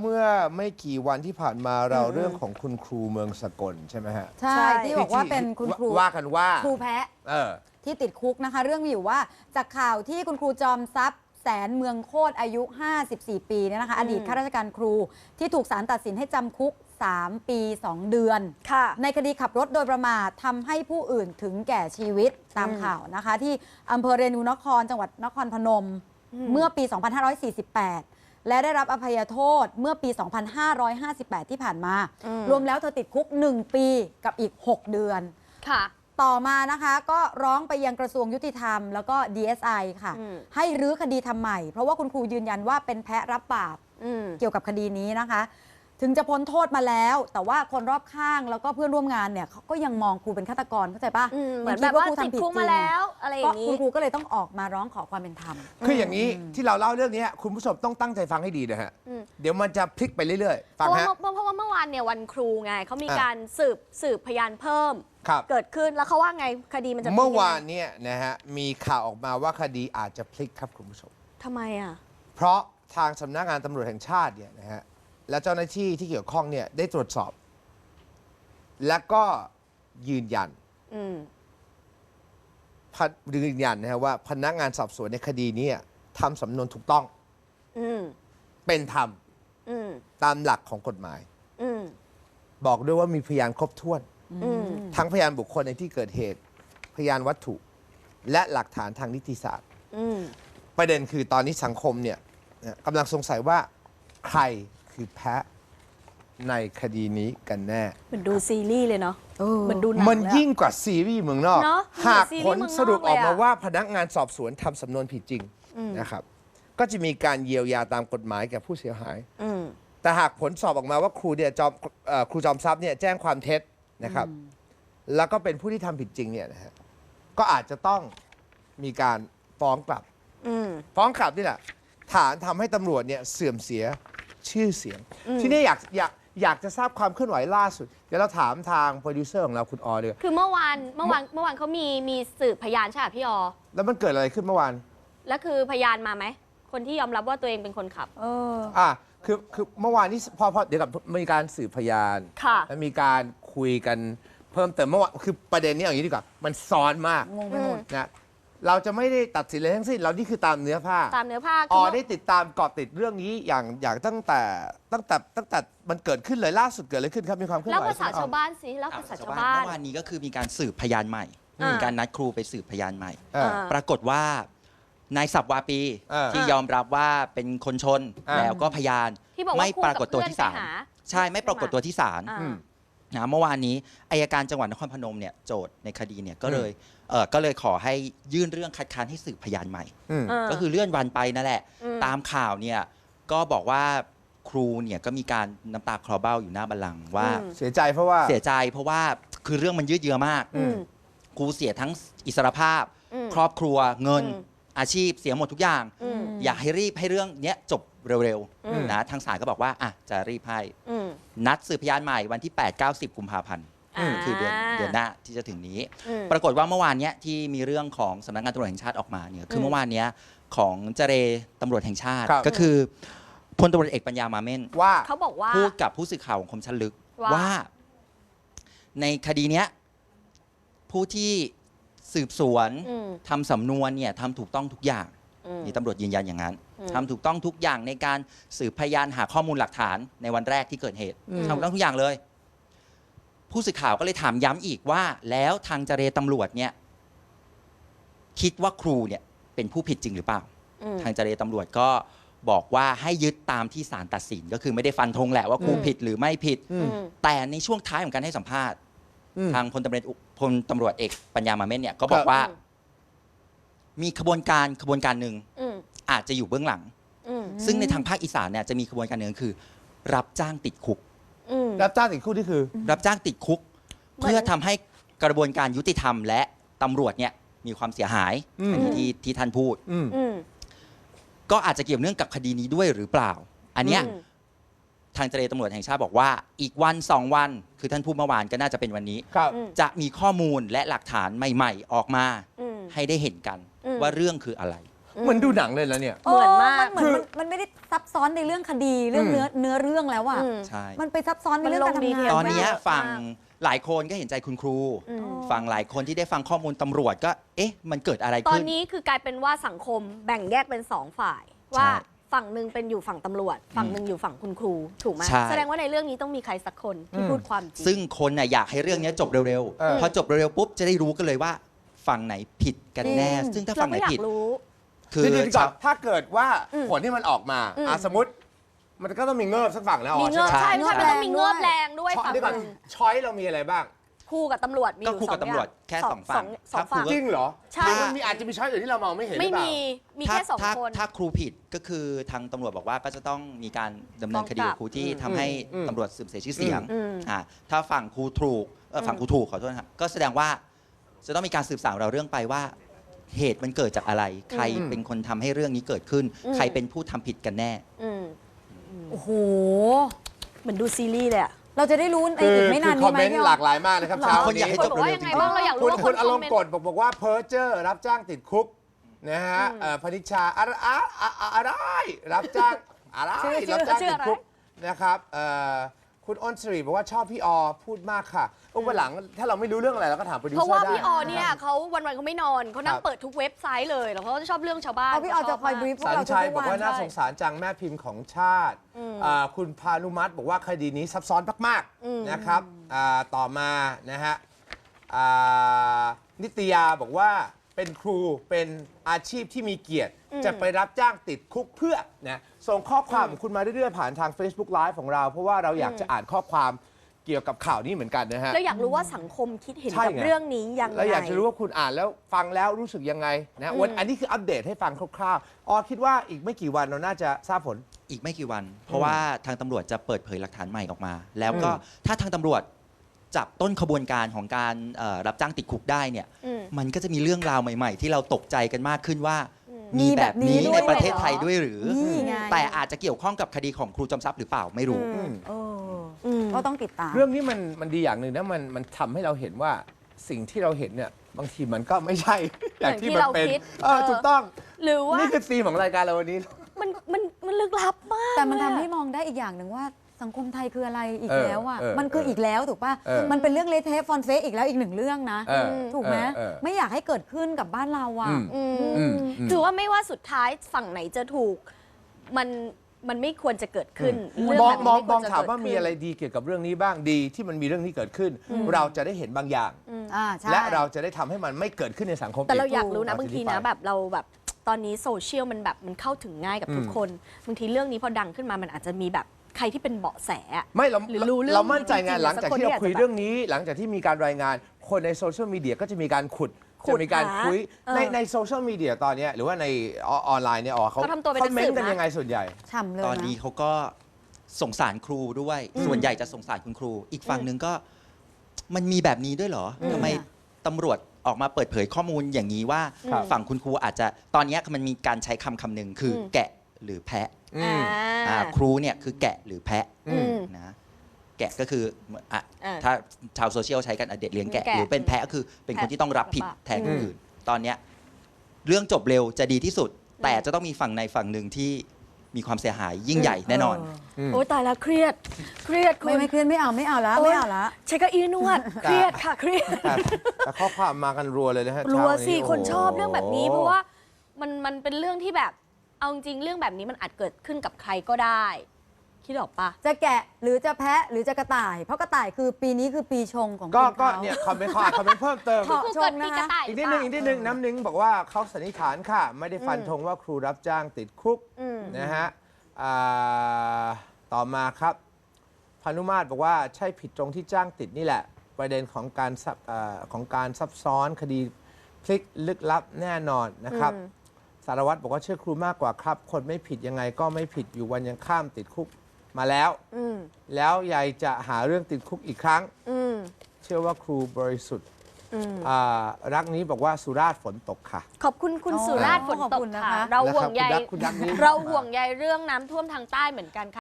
เมื่อไม่กี่วันที่ผ่านมาเราเรื่องของคุณครูเมืองสกลใช่ไหมฮะใช่ที่บอกว่าเป็นคุณครูว่ากันว่าครูแพะที่ติดคุกนะคะ เรื่องมีอยู่ว่าจากข่าวที่คุณครูจอมทรัพย์แสนเมืองโคตรอายุ 54 ปีเนี่ยนะคะอดีตข้าราชการครูที่ถูกศาลตัดสินให้จำคุก 3 ปี 2 เดือนในคดีขับรถโดยประมาททำให้ผู้อื่นถึงแก่ชีวิตตามข่าวนะคะที่อำเภอเรนูนครจังหวัดนครพนมเมื่อปี 2548 และได้รับอภัยโทษเมื่อปี 2558 ที่ผ่านมารวมแล้วเธอติดคุก 1 ปีกับอีก 6 เดือนค่ะต่อมานะคะก็ร้องไปยังกระทรวงยุติธรรมแล้วก็ DSI ค่ะให้รื้อคดีทำใหม่เพราะว่าคุณครูยืนยันว่าเป็นแพะรับบาปเกี่ยวกับคดีนี้นะคะถึงจะพ้นโทษมาแล้วแต่ว่าคนรอบข้างแล้วก็เพื่อนร่วมงานเนี่ยเขาก็ยังมองครูเป็นฆาตกรเข้าใจปะเหมือนแบบว่าติดคุกมาแล้วอะไรอย่างนี้คุณครูก็เลยต้องออกมาร้องขอความเป็นธรรมคืออย่างนี้ที่เราเล่าเรื่องนี้คุณผู้ชมต้องตั้งใจฟังให้ดีนะฮะเดี๋ยวมันจะพลิกไปเรื่อยๆฟังฮะเพราะว่าเมื่อวานเนี่ยวันครูไงเขามีการสืบพยานเพิ่มเกิดขึ้นแล้วเขาว่าไงคดีมันจะเมื่อวานเนี่ยนะฮะมีข่าวออกมาว่าคดีอาจจะพลิกครับคุณผู้ชมทำไมอ่ะเพราะทางสำนักงานตำรวจแห่งชาติเนี่ยนะฮะและเจ้าหน้าที่ที่เกี่ยวข้องเนี่ยได้ตรวจสอบ และก็ยืนยันนะฮะว่าพนักงานสอบสวนในคดีนี้ทำสำนวนถูกต้องเป็นธรรมตามหลักของกฎหมายบอกด้วยว่ามีพยานครบถ้วนทั้งพยานบุคคลในที่เกิดเหตุพยานวัตถุ และหลักฐานทางนิติศาสตร์ประเด็นคือตอนนี้สังคมเนี่ยกำลังสงสัยว่าใครคือแพะในคดีนี้กันแน่เหมือนดูซีรีส์เลยเนาะเหมือนดูหนังมันยิ่งกว่าซีรีส์เมืองนอกหากผลสรุปออกมาว่าพนักงานสอบสวนทำสำนวนผิดจริงนะครับก็จะมีการเยียวยาตามกฎหมายแก่ผู้เสียหายแต่หากผลสอบออกมาว่าครูจอมทรัพย์เนี่ยแจ้งความเท็จนะครับแล้วก็เป็นผู้ที่ทำผิดจริงเนี่ยนะฮะก็อาจจะต้องมีการฟ้องกลับนี่แหละฐานทำให้ตำรวจเนี่ยเสื่อมเสียชื่อเสียงที่นี่อยากจะทราบความเคลื่อนไหวล่าสุดเดี๋ยวเราถามทางโปรดิวเซอร์ของเราคุณออเลยคือเมื่อวานเขามีสืบพยานใช่ไหมพี่ออแล้วมันเกิดอะไรขึ้นเมื่อวานแล้วคือพยานมาไหมคนที่ยอมรับว่าตัวเองเป็นคนขับคือเมื่อวานนี้พอเดี๋ยวกับมีการสืบพยานและมีการคุยกันเพิ่มเติมเมื่อวานคือประเด็นนี้อย่างนี้ดีกว่ามันซ้อนมากงงไปหมดนะเราจะไม่ได้ตัดสินอะไรทั้งสิ้นเรานี่คือตามเนื้อผ้าได้ติดตามเกาะติดเรื่องนี้อย่างตั้งแต่มันเกิดขึ้นเลยล่าสุดเกิดอะไรขึ้นครับมีความเคลื่อนไหวแล้วภาษาชาวบ้านสิแล้วภาษาชาวบ้านเมื่อวานนี้ก็คือมีการสืบพยานใหม่มีการนัดครูไปสืบพยานใหม่ปรากฏว่านายสับวาปีที่ยอมรับว่าเป็นคนชนแล้วก็พยานไม่ปรากฏตัวที่ศาลใช่ไม่ปรากฏตัวที่ศาลเมื่อวานนี้อัยการจังหวัดนครพนมเนี่ยโจทย์ในคดีเนี่ยก็เลยขอให้ยื่นเรื่องคัดค้านให้สืบพยานใหม่ก็คือเลื่อนวันไปนั่นแหละตามข่าวเนี่ยก็บอกว่าครูเนี่ยก็มีการน้ำตาคลอเบ้าอยู่หน้าบัลลังก์ว่าเสียใจเพราะว่าคือเรื่องมันยืดเยื้อมากครูเสียทั้งอิสรภาพครอบครัวเงินอาชีพเสียหมดทุกอย่างอยากให้รีบให้เรื่องนี้จบเร็วๆนะทางศาลก็บอกว่าจะรีบให้นัดสืบพยานใหม่วันที่ 8-9-10 กุมภาพันธ์คือเดือนหน้าที่จะถึงนี้ปรากฏว่าเมื่อวานนี้ที่มีเรื่องของสำนักงานตำรวจแห่งชาติออกมาเนี่ยคือเมื่อวานนี้ของเจรตำรวจแห่งชาติก็คือพลตำรวจเอกปัญญามาเม่นว่าเขาบอกว่าพูดกับผู้สื่อข่าวของคมชันลึกว่าในคดีนี้ผู้ที่สืบสวนทำสำนวนเนี่ยทำถูกต้องทุกอย่างนี่ตำรวจยืนยันอย่างนั้นทำถูกต้องทุกอย่างในการสืบพยานหาข้อมูลหลักฐานในวันแรกที่เกิดเหตุทำถูกต้องทุกอย่างเลยผู้สื่อข่าวก็เลยถามย้ำอีกว่าแล้วทางเจรตำรวจเนี่ยคิดว่าครูเนี่ยเป็นผู้ผิดจริงหรือเปล่าทางเจรตำรวจก็บอกว่าให้ยึดตามที่ศาลตัดสินก็คือไม่ได้ฟันธงแหละว่าครูผิดหรือไม่ผิดแต่ในช่วงท้ายของการให้สัมภาษณ์ทางพลตำรวจเอกปัญญามาเม่นเนี่ยก็บอกว่ามีขบวนการหนึ่งอาจจะอยู่เบื้องหลังซึ่งในทางภาคอีสานเนี่ยจะมีขบวนการหนึ่งคือรับจ้างติดคุกรับจ้างติดคุกนี่คือรับจ้างติดคุกเพื่อทำให้กระบวนการยุติธรรมและตำรวจเนี่ยมีความเสียหายอันนี้ที่ท่านพูดก็อาจจะเกี่ยวเนื่องกับคดีนี้ด้วยหรือเปล่าอันเนี้ยทางเจรตำรวจแห่งชาติบอกว่าอีกวัน2 วันคือท่านพูดเมื่อวานก็น่าจะเป็นวันนี้จะมีข้อมูลและหลักฐานใหม่ๆออกมาให้ได้เห็นกันว่าเรื่องคืออะไรเหมือนดูหนังเลยแล้วเนี่ยเหมือนมากมันไม่ได้ซับซ้อนในเรื่องคดีเรื่องเนื้อเรื่องแล้วอ่ะใช่มันไปซับซ้อนในเรื่องการทำงานตอนเนี้ยมากฝั่งหลายคนก็เห็นใจคุณครู ฝั่งหลายคนที่ได้ฟังข้อมูลตำรวจก็ เอ๊ะ มันเกิดอะไรตอขึ้นนนี้คือกลายเป็นว่าสังคมแบ่งแยกเป็น2 ฝ่าย ว่าฝั่งหนึ่งเป็นอยู่ฝั่งตำรวจ ฝั่งหนึ่งอยู่ฝั่งคุณครูถูกไหมใช่แสดงว่าในเรื่องนี้ต้องมีใครสักคนที่พูดความจริงซึ่งคนน่ะอยากให้เรื่องเนี้ยจบเร็วเออๆ พอจบเร็วๆปุ๊บจะได้รู้กันเลยว่าฝั่งไหนผิดกันแน่ ซึ่งถ้าเราฝั่งไหนก็อยาผิดกรู้คือเดี๋ยวก่อนถ้าเกิดว่าผลที่มันออกมาอืมสมมติ มันก็ต้องมีเงิบสักฝั่งแล้วมีเงือบใช่ใช่ไหมใช่มันต้องมีเงือบแรงด้วยช้อยฝั่งเดี๋ยวก่อนหนึ่งช้อยเรามีอะไรบ้างคู่กับตำรวจมีอก็ยู่คู่กับ 2 ตำรวจแค่สองฝั่งสองฝั่งจริงเหรอใช่หรือมันมีอาจจะมีช้อยอื่นที่เรามองไม่เห็นหรืไม่อเปล่ามีแค่2 คนถ้าครูผิดก็คือทางตำรวจบอกว่าก็จะต้องมีการดำเนินคดีกับครูที่ทำให้อืมตำรวจเสื่อมเสียชื่อเสียงอืมถ้าฝั่งครูถูกฝั่งครูถูกขอโทษนะครับก็แสดงว่าจะต้องมีการสืบสาวเราเรื่องไปว่า เหตุมันเกิดจากอะไร ใครเป็นคนทำให้เรื่องนี้เกิดขึ้น ใครเป็นผู้ทำผิดกันแน่อืมโอ้โหเหมือนดูซีรีส์เลยอะเราจะได้รู้ในอีกไม่นานคนี้อมไหมเมนต์พี่หลากหลายมากนะครับหรอเช้าคนอยากนี้ให้คนบอกว่ายังไงบ้างเราอยากรู้คุณว่าคุณอารคมเมณ์นต์กดบอกว่าเพ้อเจอร์รับจ้างติดคุกนะฮะพนิชาอะไรรับจ้างอะไรชื่อรับจ้างชื่อติดอะไรคุกนะครับคุณอ้นสิริบอกว่าชอบพี่อพูดมากค่ะวันหลังถ้าเราไม่รู้เรื่องอะไรเราก็ถามโปรดิวเพเซอราะร์ว่าได้พี่ออเนี่ยเขาวันๆเขาไม่นอนเขานั่คงรับเปิดทุกเว็บไซต์เลยแล้วเขาจะชอบเรื่องชาวบ้านเอาพี่ออจะคอยบรีฟพวกสันเราทุชัยกบอกวัว่าน น่าใช่สงสารจังแม่พิมพ์ของชาติคุณพานุมัติบอกว่าคดีนี้ซับซ้อนมากๆนะครับต่อมานะฮะนิตยาบอกว่าเป็นครูเป็นอาชีพที่มีเกียรติ จะไปรับจ้างติดคุกเพื่อนะส่งข้อความของคุณมาเรื่อยๆผ่านทาง Facebook Live ของเรา เพราะว่าเราอยากจะอ่านข้อความเกี่ยวกับข่าวนี้เหมือนกันนะฮะแล้วอยากรู้ว่าสังคมคิดเห็นใช่กับไงเรื่องนี้ยังไงแล้วอยากจะรู้ว่าคุณอ่านแล้วฟังแล้วรู้สึกยังไงนะวันอันนี้คืออัปเดตให้ฟังคร่าวๆคิดว่าอีกไม่กี่วันเราน่าจะทราบผลอีกไม่กี่วัน เพราะว่าทางตำรวจจะเปิดเผยหลักฐานใหม่ออกมา แล้วก็ถ้าทางตำรวจจับต้นขบวนการของการรับจ้างติดคุกได้เนี่ยอืมมันก็จะมีเรื่องราวใหม่ ๆ ที่เราตกใจกันมากขึ้นว่ามีมีแบบนี้แบบนี้ด้วยในประเทศเหรอไทยด้วยหรือนี่ไงแต่อาจจะเกี่ยวข้องกับคดีของครูจอมทรัพย์หรือเปล่าไม่รู้เออก็ต้องติดตามเรื่องนี้มันดีอย่างหนึ่งนะมันทำให้เราเห็นว่าสิ่งที่เราเห็นเนี่ยบางทีมันก็ไม่ใช่ อย่างที่มันเป็นอย่างที่เราคิดถูกต้องหรือว่านี่คือธีมของรายการเราวันนี้มันลึกลับมากแต่มันทำเลยอะให้มองได้อีกอย่างหนึ่งว่าสังคมไทยคืออะไรอีกเออแล้วอ่ะเออมันคืออีกแล้วถูกป่ะเออมันเป็นเรื่องเละเทะฟอนเฟสอีกแล้วอีกหนึ่งเรื่องนะเออถูกไหมเออไม่อยากให้เกิดขึ้นกับบ้านเราอ่ะอืมอืมอืมถือว่าไม่ว่าสุดท้ายฝั่งไหนจะถูก มันไม่ควรจะเกิดขึ้นเรื่มองแบบมองนี้มองไควรจะถามว่าเกิดมีขึ้นอะไรดีเกี่ยวกับเรื่องนี้บ้างดีที่มันมีเรื่องนี้เกิดขึ้น เราจะได้เห็นบางอย่างใช่และเราจะได้ทำให้มันไม่เกิดขึ้นในสังคมแต่เราอีกอยากรู้นะเราจะบางทีได้นะไปแบบเราแบบตอนนี้โซเชียลมันแบบมันเข้าถึงง่ายกับทุกคน บางทีเรื่องนี้พอดังขึ้นมามันอาจจะมีแบบใครที่เป็นเบาะแสอะไม่เราหรือรู้เรื่องเรามั่นใจไงจริงๆหลังจากที่สักคนเราคุยที่อาจจะเรื่องนี้ หลังจากที่มีการรายงานคนในโซเชียลมีเดียก็จะมีการขุดขุดจะมีการหาคุยเออในโซเชียลมีเดียตอนเนี้ยหรือว่าในออนไลน์เนี่ยเขาเขาทำตัวเป็นคอมเมนต์นักสืบกันนะยังไงส่วนใหญ่ฉ่ำเลยตอนนะนี้เขาก็สงสารครูด้วย ส่วนใหญ่จะสงสารคุณครู อีกฝั่งหนึ่งก็มันมีแบบนี้ด้วยเหรอทำไมตำรวจออกมาเปิดเผยข้อมูลอย่างนี้ว่าครับฝั่งคุณครูอาจจะตอนนี้มันมีการใช้คำหนึ่งคืออแกะหรือแพะอืมครูเนี่ยคือแกะหรือแพะอืมนะแกะก็คืออ่ะอ่าถ้าชาวโซเชียลใช้กันเด็กเลี้ยงแกะแกะหรือเป็นแพะก็คือเป็นคนที่ต้องรับผิดแพะแทนคนอื่น ตอนเนี้ยเรื่องจบเร็วจะดีที่สุด แต่จะต้องมีฝั่งในฝั่งหนึ่งที่มีความเสียหายยิ่งใหญ่แน่นอนโอ้ยตายแล้วเครียดคุณไม่เครียดไม่เอาละโอ๊ยไม่เอาละใช้เก้าอี้นวด เครียดค่ะเครียดแต่ข้อความมากันรัวเลยนะฮะรัวเช้าสิโโหคนชอบเรื่องแบบนี้ เพราะว่ามันเป็นเรื่องที่แบบเอาจริงๆเรื่องแบบนี้มันอาจเกิดขึ้นกับใครก็ได้ คิดออกปะจะแกะหรือจะแพะหรือจะกระต่าย เพราะกระต่ายคือปีนี้คือปีชงของก็คนก็เขาเนี่ยคอมเมนต์เขาอ่านคอมเมนต์เพิ่มเติมขอครูชเกิมดนะปีคะกระต่ายอีกนิดนึงอีกนิดนึงน้ำหนึ่งบอกว่าเขาสันนิษฐานค่ะ ไม่ได้ฟันธงว่าครูรับจ้างติดคุก นะฮะต่อมาครับพานุมาตรบอกว่าใช่ผิดตรงที่จ้างติดนี่แหละ ประเด็นของการซับซ้อนคดีพลิกลึกลับแน่นอนนะครับ สารวัตรบอกว่าเชื่อครูมากกว่าครับ คนไม่ผิดยังไงก็ไม่ผิดอยู่วันยังข้ามติดคุกมาแล้ว แล้วยายจะหาเรื่องติดคุกอีกครั้ง เชื่อว่าครูบริสุทธิ์รักนี้บอกว่าสุราษฎร์ฝนตกค่ะขอบคุณคุณอ๋อสุราษฎร์ฝนขอบตคุกณนะค่ะคะเราห่วงใยคุณดักนี้เราห่วงใยเรื่องน้ำท่วมทางใต้เหมือนกันค่ะ